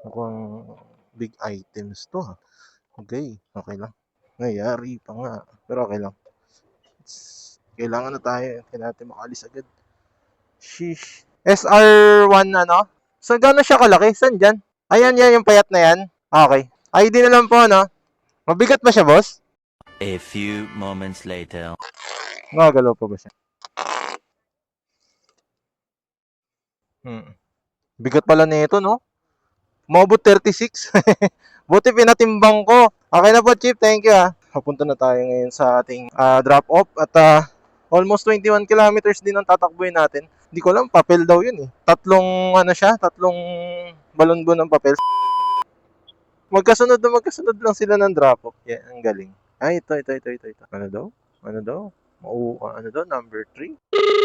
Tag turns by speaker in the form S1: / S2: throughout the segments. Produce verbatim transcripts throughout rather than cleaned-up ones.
S1: Mukhang big items to ha. Okay, okay lang. Nangyari pa nga. Pero okay lang. Kailangan na tayo. Kailangan natin makalis agad. Sheesh. S R one ano? So, gano'n siya kalaki? Saan dyan? Ayan, yan, yung payat na yan. Okay. I D na lang po, no? Mabigat ba siya, boss?
S2: A few moments later.
S1: Nagagalaw pa ba siya? Hmm. Bigat pala nito, no? Umabot thirty-six. Buti pinatimbang ko. Okay na po, Chief. Thank you, ah. Papunta na tayo ngayon sa ating ah, drop-off. At ah, almost twenty-one kilometers din ang tatakbuhin natin. Hindi ko alam, papel daw yun eh. Tatlong, ano siya, tatlong balon-bon ng papel. Magkasunod na magkasunod lang sila ng drop-off. Yan, ang galing. Ay, ito, ito, ito, ito, ito. Ano daw? Ano daw? Oo, ano daw? Number three?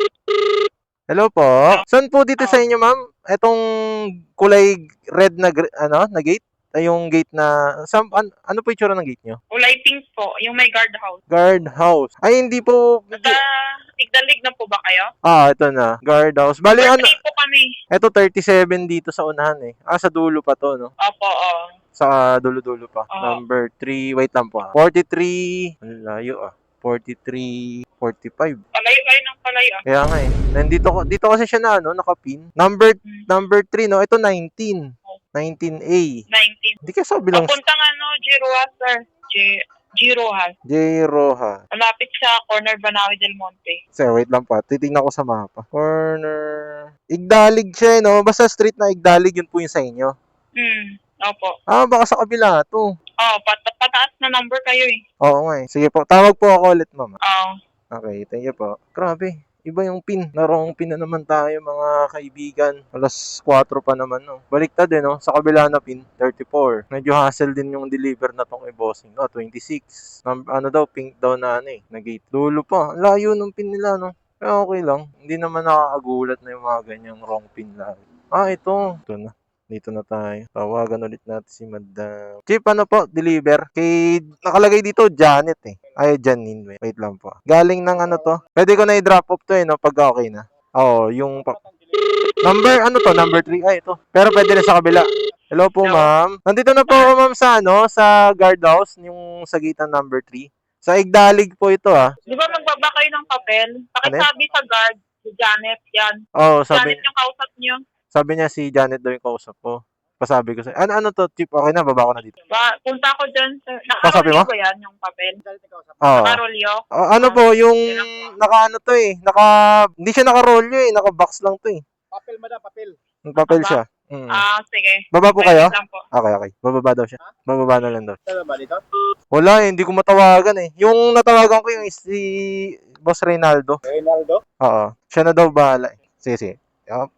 S1: Hello po. Saan po dito sa inyo, ma'am? Etong kulay red na gr- ano, na gate? Ay, yung gate na sam, an, ano po 'yung itsura ng gate nyo?
S3: Kulay pink po, yung may guard house.
S1: Guard house. Ay, hindi po.
S3: Sa
S1: Hindi.
S3: Igdalig na po ba kayo?
S1: Ah, ito na. Guard house. Bali,
S3: Number
S1: ano?
S3: three po kami.
S1: Ito, thirty-seven dito sa unahan eh. Ah, sa dulo pa to, no?
S3: Opo, oo.
S1: Sa dulo-dulo pa.
S3: Oo.
S1: Number three. Wait lang po ah. forty-three. Ang layo ah. forty-three, forty-five.
S3: Palayo kayo ng palayo. ah.
S1: Kaya nga eh. Nandito ko dito kasi siya na ano, nakapin. Number number three no. Ito nineteen. nineteen A.
S3: nineteen.
S1: Hindi ka sabi lang
S3: Papuntang ano, Giroa, sir. G- Giroa.
S1: J Roja.
S3: Malapit sa corner Banawi del Monte.
S1: Sir, wait lang pa. Titingnan ko sa mapa. Corner. Igdalig siya eh, no? Basta street na Igdalig yun po yung sa inyo.
S3: Hmm, opo.
S1: Ah, baka sa kabila to.
S3: Oh, pat pataas na number kayo eh.
S1: Oo nga eh. Sige po. Tawag po ako ulit, mama.
S3: Oo.
S1: Okay, thank you po. Grabe. Iba yung pin. Narong pin na naman tayo mga kaibigan. Alas four pa naman, no? Baliktad eh, no? Sa kabila na pin, thirty-four. Medyo hassle din yung deliver na tong e-bossing. Oh, twenty-six. Num- ano daw, pink daw na ano eh. Na-gate. Dulo pa. Ang layo ng pin nila, no? Pero okay lang. Hindi naman nakakagulat na yung mga ganyang wrong pin lang. Ah, ito. Ito na. Dito na tayo. Tawagan ulit natin si Madam. Chief, ano po? Deliver. Kay, nakalagay dito, Janet eh. Ay, Janine. Wait, wait lang po. Galing ng ano to? Pwede ko na i-drop off to eh, no? Pag okay na. Oo, yung... Pa- number, ano to? Number three? Ay, ito. Pero pwede na sa kabila. Hello po, ma'am. Nandito na po ako, ma'am, sa ano? Sa guardhouse, yung sa gate ng number three. Sa Igdalig po ito, ah.
S3: Di ba magbaba kayo ng papel? Pakisabi sa guard, si Janet, yan.
S1: Oo, sabi...
S3: Janet yung kausap niyo.
S1: Sabi niya si Janet daw yung kausap ko. Pasabi ko sa ano ano to, Chip, okay na, baba ko na dito.
S3: Ba, punta ko dyan. Sa,
S1: Pasabi mo?
S3: nakarolyo ba yan yung papel?
S1: Oo.
S3: Nakarolyo?
S1: Ah, ano po, yung naka ano to eh, naka, hindi siya naka-rolyo eh, naka-box lang to eh.
S4: Papel, madam, papel.
S1: Yung papel
S3: Baba?
S1: siya. Mm.
S3: Ah, sige.
S1: Baba po
S3: Wait
S1: kayo?
S3: lang po.
S1: Okay, okay. Bababa daw siya. Bababa na lang daw.
S4: Saan ba dito?
S1: Wala eh, hindi ko matawagan eh. Yung natawagan ko yung si Boss Reynaldo.
S4: Reynaldo?
S1: Oo. Siya na daw bahala eh. Sige, sige. Yup.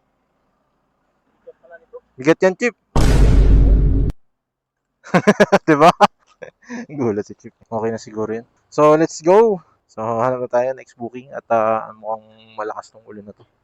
S1: Bigat yan, Chip. Diba? Gulat si Chip. Okay na siguro yun. So, let's go. So, hanap na tayo next booking at uh, mukhang malakas tong ulan na to.